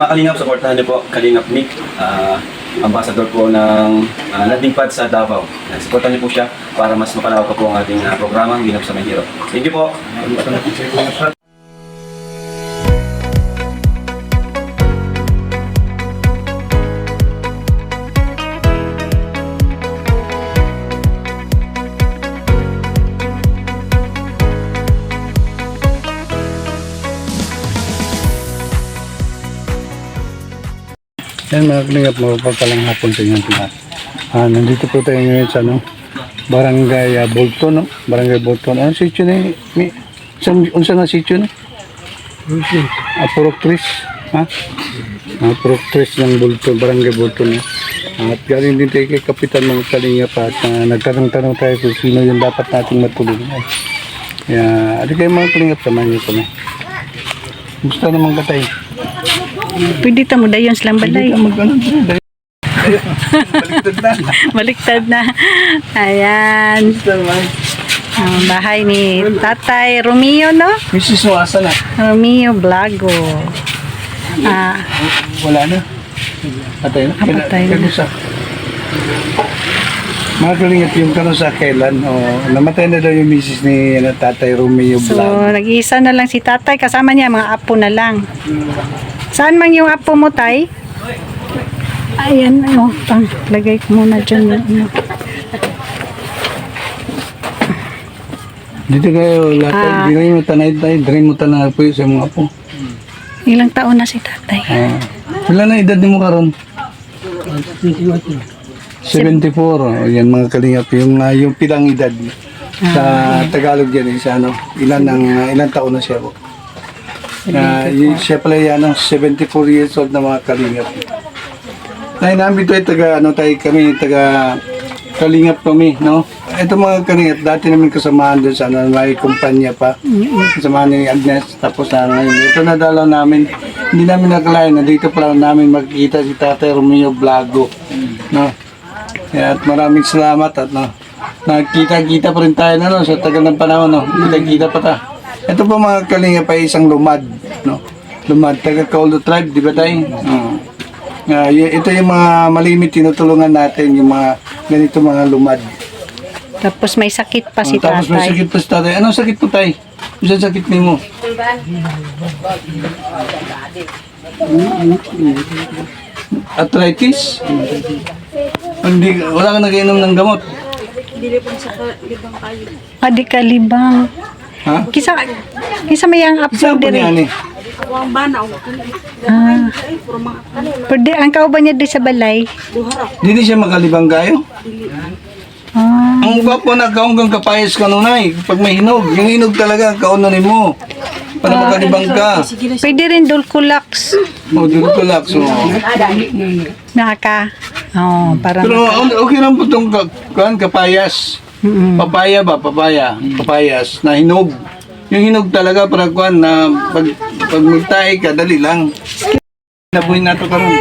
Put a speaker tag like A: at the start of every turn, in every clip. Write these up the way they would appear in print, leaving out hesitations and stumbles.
A: Mga Kalingap, supportahan niyo po Kalingap Nick, ambassador po ng landing pad sa Davao. Supportahan niyo po siya para mas mapalawak pa po ang ating programang Ginap sa May Hirap. Thank you po.
B: Yan mga Kalingap, mapagpalang hapon sa inyong lahat. Nandito po tayo ngayon sa Barangay Bolton, no? Barangay Bolton. Ano sityo na unsa na sityo na? Purok Tris, ha? Purok Tris ng Bolton, Barangay Bolton. At galing din tayo kay Kapitan mga Kalingap at nagtanong-tanong tayo kung sino yung dapat nating matulungan. Kaya, kayo mga Kalingap, samahan niyo ko na. Gusto naman ka tayo?
C: Pwede ta mo dayon silang balay.
B: Baliktad na.
C: Baliktad na. Ayan. Ang bahay ni Tatay Romeo, no?
B: Mrs. Noasa na.
C: Romeo Blago.
B: Wala na. Patay na.
C: Patay na.
B: Kanusa. Mga Kalingap, yung kanusa kailan? Namatay na daw yung Mrs. ni Tatay Romeo
C: So,
B: Blago.
C: nag-iisa na lang si Tatay. Kasama niya, mga apo na lang. Saan man yung apo mo, Tay? Ayan, lagay ko muna dyan.
B: Dito kayo, lahat. Hindi mo tanay tayo. Drain mo tanay po yung sa mga apo.
C: Ilang taon na si Tatay?
B: Wala na edad mo karon? 74. Yan mga Kalingap. Yung pilang edad. Sa Tagalog yan. Ilan taon na siya po. Siya pala yan, 74 years old na mga Kalingap. Namin ito ay taga Kalingap kami, no? Ito mga Kalingap, dati namin kasamahan doon sa may kumpanya pa. Kasamahan ni Agnes, tapos ngayon. Ito nadalaw namin, hindi namin nakalain na dito pala namin makikita si Tatay Romeo Blago, no? Kaya at maraming salamat at nakikita-kita pa rin tayo na, no? Sa tagal ng panahon, no? Kita-kita pa ta. Ito po mga Kalingap ay isang lumad, no? Lumad, taga Kaolo tribe, di ba tayo? Ito yung mga malimit tinutulungan natin, yung mga ganito mga lumad.
C: Tapos may sakit pa si Tatay.
B: Tapos may sakit pa si Tatay. Anong sakit po tayo? Ano sakit mo? Arthritis? Wala ka nag-inom ng gamot?
C: Adi ka libang.
B: Ha?
C: Kisa may ang apo
B: Saan po
C: dire.
B: niyan eh?
C: Pwede ang kauban niya di sa balay.
B: Hindi siya makalibang kayo? Ang gwapo na kaunggang kapayas ka nunay. Pag may hinog, yung hinog talaga, kaunanin mo. Para makalibang ka.
C: Pwede rin dulculax.
B: Dulculax.
C: Naka. Parang
B: Pero okay lang po itong kapayas. Papaya ba? Papayas na hinog. Yung hinog talaga para kuan na pag magtae ka, dali lang. Nabuhin nato karon.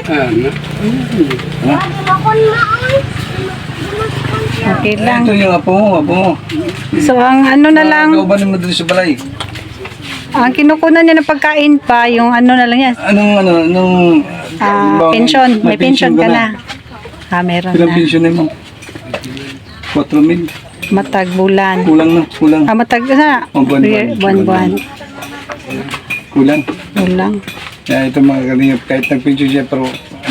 C: okay lang.
B: Ito yung apo mo.
C: So ang ano na lang,
B: Kaubanin mo dito sa balay.
C: ang kinukunan niya ng pagkain pa, yung ano na lang yan.
B: Anong
C: Pension. May pension ka na. Meron
B: Ilang
C: na.
B: pension mo? 4,000.
C: Matag bulan.
B: Kulang.
C: Matag na. Buwan-buwan. Kulang.
B: Kaya ito mga Kalingap, kahit nag-pension siya, pero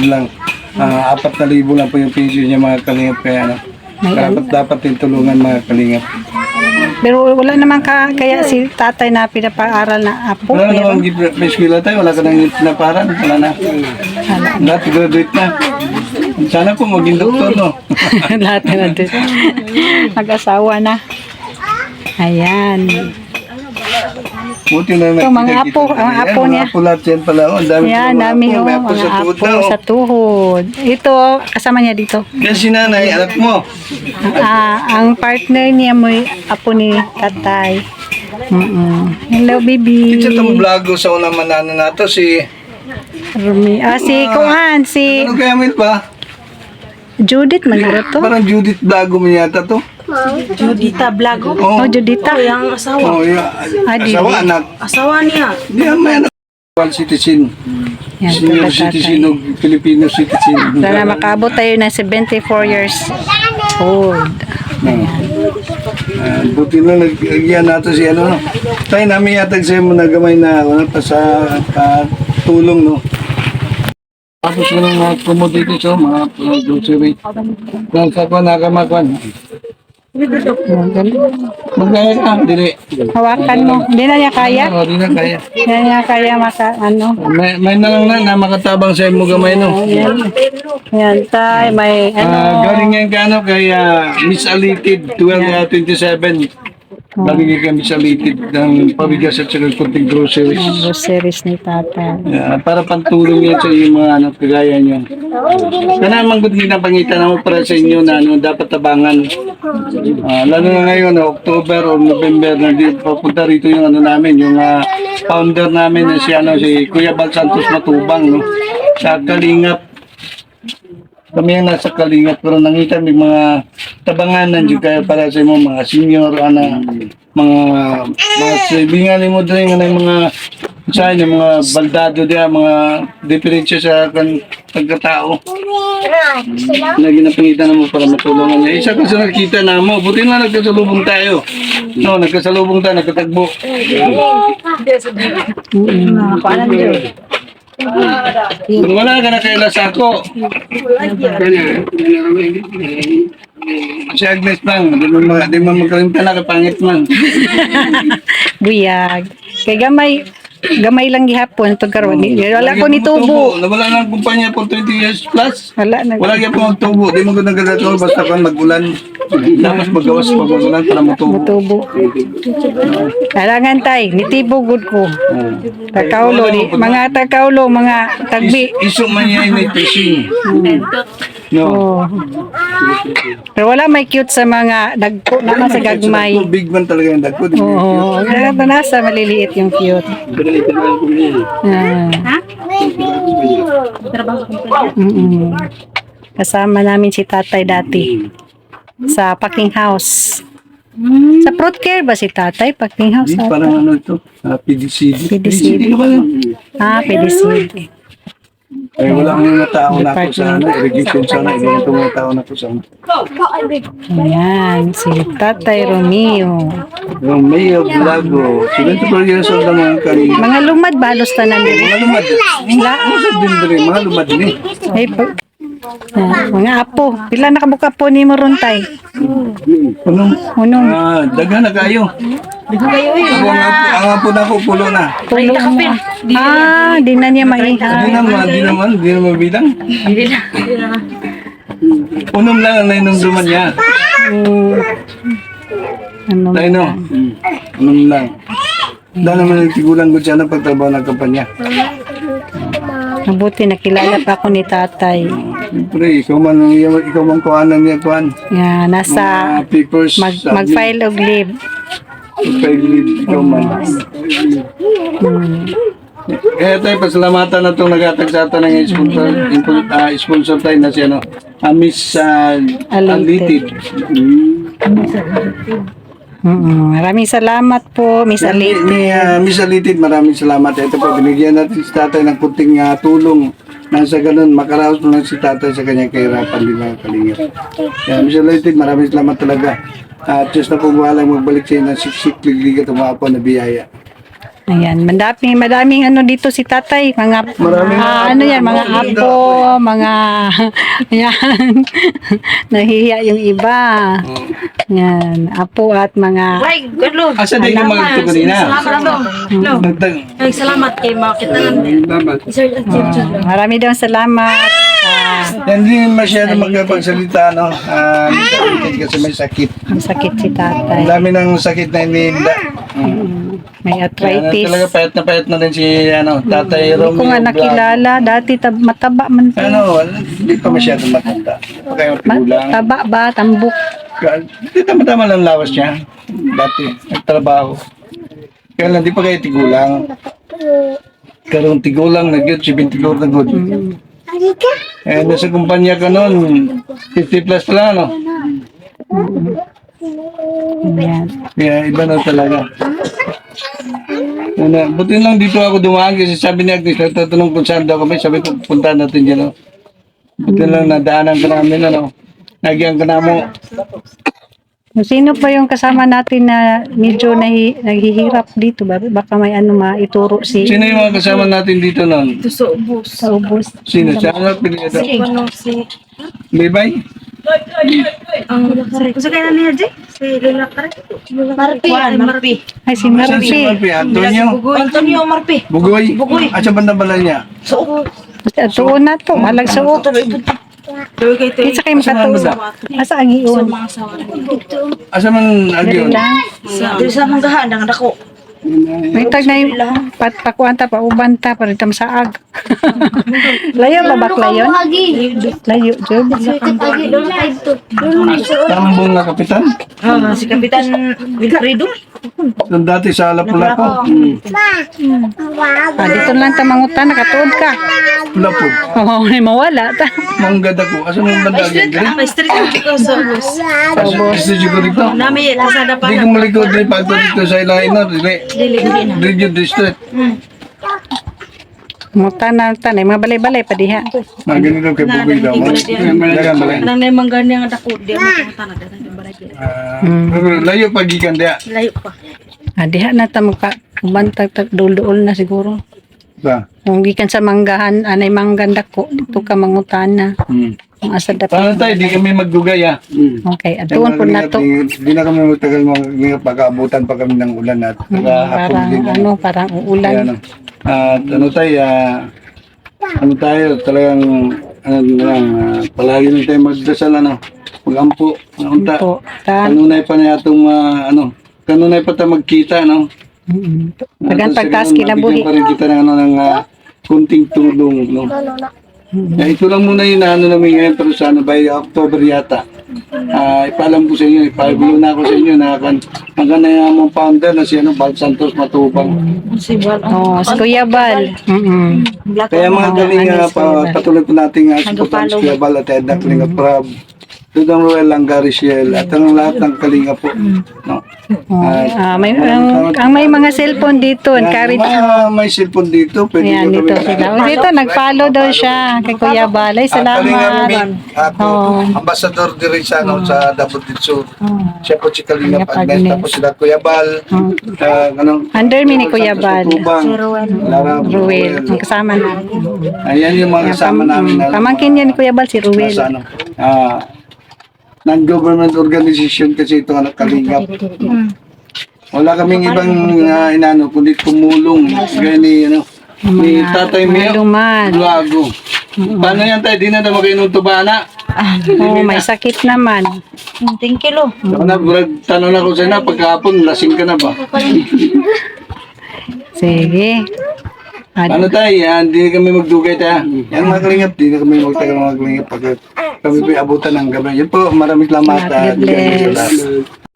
B: 4,000 lang po yung pension niya mga Kalingap. Kaya dapat din tulungan mga Kalingap.
C: Pero wala naman kaya si Tatay na pinapaaral na apo.
B: Wala
C: Meron.
B: naman may eskwela tayo, wala ka nang pinaparan, wala na. Lahat graduate na. Sana po maging doktor, no?
C: Lahat na din. Mag-asawa na. Ayan.
B: Buti na
C: Ito, mga apo, ang apo niya.
B: Mga apo lahat yan pala. Dami
C: Ayan,
B: mga
C: dami
B: apo. May apo
C: mga
B: sa tuhod
C: apo
B: na.
C: sa tuhod. Ito, kasama niya dito.
B: Yan si nanay, anak mo.
C: Ang partner niya mo apo ni Tatay. Hello, baby.
B: Ito itong vlogo sa unang manana na to, si...
C: Rumi. Si Kuan, si
B: Ano kaya mo ba?
C: Judith Manuro to.
B: Parang Judith vlogo mo yata to.
D: Judita Blago.
C: Oh, Judita.
D: Yung asawa.
B: Oh, yung
C: Dili.
B: asawa, anak.
D: Asawa niya.
B: Di, may anak. citizen.
C: Yan,
B: Senior
C: tula,
B: citizen
C: tatay.
B: o Filipino citizen.
C: Sana makaabot tayo ng 74 years old.
B: Buti na nagyan natin si ano. Tayo namin yatag sa'yo mo na gamay na ano, pa sa tulong, no. Tapos ko ng mga commodities, oh, mga grocery. Nagkakwan, nakamakwan. Magkaya ka, dili.
C: Hawakan mo. Hindi na niya kaya?
B: Oo, di na kaya.
C: Hindi na niya kaya ano.
B: May na lang na makatabang sa mo gamay, no.
C: Yan, tay. May
B: Galing yan ka, ano, kay Miss Alitid, 1227. Galing yan kay Miss Alitid ng pabigas at saka kunting groceries.
C: groceries ni tatay.
B: Para pantulong yan sa iyo mga ano, kagaya nyo. Kana naman kung ginapangitan mo para sa inyo na ano, dapat tabangan. Lalo na ngayon, October o November, papunta rito yung ano namin, yung founder namin na si Kuya Bal Santos Matubang, no? Sa Kalingap. Kami ang nasa Kalingap, pero nangita may mga tabanganan dyan kaya para sa mga senior, mga sibingan mo din ng mga sa inyo, mga baldado diya, mga diferensya sa pagkatao na ginapangitan mo para matulungan niya. Isa kasi nakita na mo, buti na nagkasalubong tayo. No, nagkasalubong tayo, nagkatagbo. Kung wala ka na kay Lasako, si Agnes lang, di mo magkalimta na kapangit man.
C: Buyag. Kay gamay lang gihapon pagkaroon. Wala ko ni tubo.
B: Nawala na ang kumpanya for 20 years plus.
C: Wala na.
B: Wala kaya po magtubo. Di mo ganda ganda basta kan magulan. Tapos magawas pag magulan para matubo.
C: Tubo. Kailangan tay, nitibo good ko. Takaulo, mga takaulo, mga tagbi.
B: Iso man yan may fishing. No.
C: Oh. Pero wala may cute sa mga dagko naman sa gagmay.
B: Big man talaga yung dagko.
C: Oo, nasa maliliit yung cute. Mm-mm. Kasama namin si tatay dati sa packing house. Sa fruit care ba si tatay? Packing house?
B: Hindi, parang ano ito? PDCD.
C: PDCD.
B: ka ba yun?
C: PDCD.
B: Ay, wala akong mga tao na ako sa ano, irrigation sana. Ibang itong mga tao na ako sa ano.
C: Ayan, si Tatay Romeo.
B: Yung Mayo Blago. 74 years old na mga kanina.
C: Mga lumad ba? Halos tanan din.
B: Mga lumad. Mga din rin, mga lumad din eh.
C: Ay, mga apo. Pila nakabuka po ni mo ron tay? Unong.
B: Daghan na kayo. Ang apo na ako, pulo na.
C: Tulo mo. Di na niya
B: Di naman bilang. Unom lang ang nainumduman niya.
C: Ano?
B: Tayo no? Unom lang. Dahil naman nagtigulang ko siya ng pagtrabaho ng kampanya.
C: Mabuti nakilala pa ako ni tatay.
B: Siyempre, ikaw man kuhanan niya kuhan.
C: Yan, nasa
B: Papers.
C: mag-file of leave.
B: Ikaw man. Kaya tayo, pasalamatan na itong nag-atag sa atin ng sponsor tayo na si Miss Alitid.
C: Maraming salamat po, Miss Alitid.
B: Miss Alitid, maraming salamat. Ito po, binigyan natin si tatay ng kunting tulong. Nang sa ganun, makaraos mo lang si tatay sa kanyang kahirapan din mga kalingap. Kaya Miss Alitid, maraming salamat talaga. At Diyos na po bahalang magbalik sa inyo ng siksik, ligligat, umapo na biyaya.
C: Ayan, madaming ano dito si tatay, mga mga apo, mga yan. Nahihiya yung iba. Yan, apo at mga
B: Asa din ka magagto kanina?
D: Ay, salamat kay makita
C: marami daw salamat.
B: Hindi masyado magkapagsalita, no? Miss Alitid kasi may sakit.
C: Ang sakit si tatay.
B: Ang dami ng sakit na iniinda.
C: May arthritis.
B: Talaga payat na rin si Tatay Romeo.
C: Hindi ko nga nakilala. Dati mataba man po.
B: Hindi pa masyadong matanda. Pa kayo tigulang.
C: Taba ba? Tambok.
B: Hindi tama-tama lang lawas niya. Dati, nagtrabaho. Kaya lang, di pa kayo tigulang. Karong tigulang na good, 70 na good. Nasa kumpanya ka noon, 50 plus pa lang, no?
C: Ayan.
B: Kaya iba na talaga. Buti lang dito ako dumaan kasi sabi ni Agnes, nagtatanong kung saan daw kami. Sabi ko, punta natin dyan. No? Buti lang nadaanan ka namin. Ano? Nagyan ka na mo.
C: Sino pa yung kasama natin na medyo naghihirap dito? Baka may ano maituro si
B: Sino yung mga kasama natin dito noon?
D: Ito sa ubos.
C: sa ubos.
B: Sino? Siya ang pinili ito?
D: Ano si...
B: Bibay?
D: Kung sa kailan niya, Jay? Si Lola Kare? Marpi. Marpi.
C: Ay, si
B: Saan si
C: Marpi.
B: Marpi? Antonio?
D: Antonio Marpi.
B: Bugoy? At sa bandang balay niya?
C: Tuon na to. Malag sa uto.
D: Tuloy kayo ito.
C: Kinsa kayo makatuon. Asa ang iyon?
B: Asa man agyon?
D: Dito sa manggahan, ang dako.
C: May tag na yung pakuanta pa, ubanta pa rin saag. Layo ba bakla yun? Layo, Job.
B: Tambong na kapitan?
D: Si Kapitan Vilfredo.
B: Doon dati sa Lapu-Lapu.
C: Dito lang ta mangutan, nakatuod ka.
B: Lapu.
C: Oo, may mawala ta.
B: Manggad ako. Asa nung banda agyan?
D: May street ko sa ubos.
B: Gusto ko dito.
D: Nami, kasada pa.
B: Hindi ko malikod rin pagto dito sa Ilaino.
D: Dili na.
B: Region District.
C: Mangutan na tanay, mga balay-balay pa diha.
B: Mga ganito kay Bugoy daw. Dagan balay.
D: Nang na yung manggahan niya nga dako. Di mo tangan na yung balay.
B: Pero layo pagikan dia.
D: Layo pa.
C: Diha na ta magka ubantag dul-duol na siguro.
B: Ba.
C: Kung gikan sa manggahan, anay mangganda ko, dito ka mangutan na. Ang asa
B: Paano tayo? Di kami magdugay ah.
C: Okay, atuon po na to.
B: Di na kami magtagal mga pag-aabutan pa kami ng ulan at hapon
C: Parang
B: din.
C: ano, parang
B: Kaya,
C: uulan.
B: ano. At ano tayo, ano tayo, talagang palagi na tayo magdasal, ano, mag-ampo, unta.
C: Po, ta.
B: Kanunay pa na yatong, kanunay pa tayo magkita, no?
C: Pagan pagtaas kinabuhi.
B: Mabigyan pa rin kita ng, ng kunting tulong, no? Ito lang muna yung ano namin ngayon, pero sa ano, by October yata. Ipaalam ko sa inyo, ipagulo na ako sa inyo na hanggang na yung among founder na si Bal Santos Matubang.
D: Si Bal.
C: Oh, si Kuya Bal.
B: Kaya mga galing patuloy po natin supportan si Kuya Bal at Edna Kalinga Prab, Dudong Roel Langariciel at ang lahat ng Kalinga po. No?
C: Ang may mga cellphone dito, encourage.
B: May cellphone dito, pwede
C: Yan,
B: nyo
C: dito
B: kami-
C: sila. O, dito, nag-follow daw siya kay Kuya Bal. Ay,
B: Kalinga
C: salamat.
B: Mig, Ambassador din sa Davao del Sur. Siya po si Kalinga
C: Kalinga
B: Agnes,
C: Agnes.
B: tapos sila Kuya Bal.
C: Under me ni Kuya Bal.
B: Lara
C: Ruel, ang kasama namin.
B: Ayan yung mga kasama namin. na-
C: Pamangkin niya ni Kuya Bal, si Ruel.
B: Nasa ano, non-government organization kasi ito anak Kalingap. Wala kaming ibang inano kundi tumulong gaya ni ni Tatay Mio
C: Luman.
B: Luago. Paano yan tayo? Di na naman kayo nung tubana.
C: Oh, may sakit naman.
D: 10 kilo.
B: Ako na, tanong na ko sa'yo na, pagkahapon, lasing ka na ba?
C: Sige.
B: Ano tayo? Yan, di kami magdugay tayo. Yan mga kalingap, di na kami magtagal mga kalingap pag kami po abutan ng gabi. Yan po, maraming salamat.
C: God bless.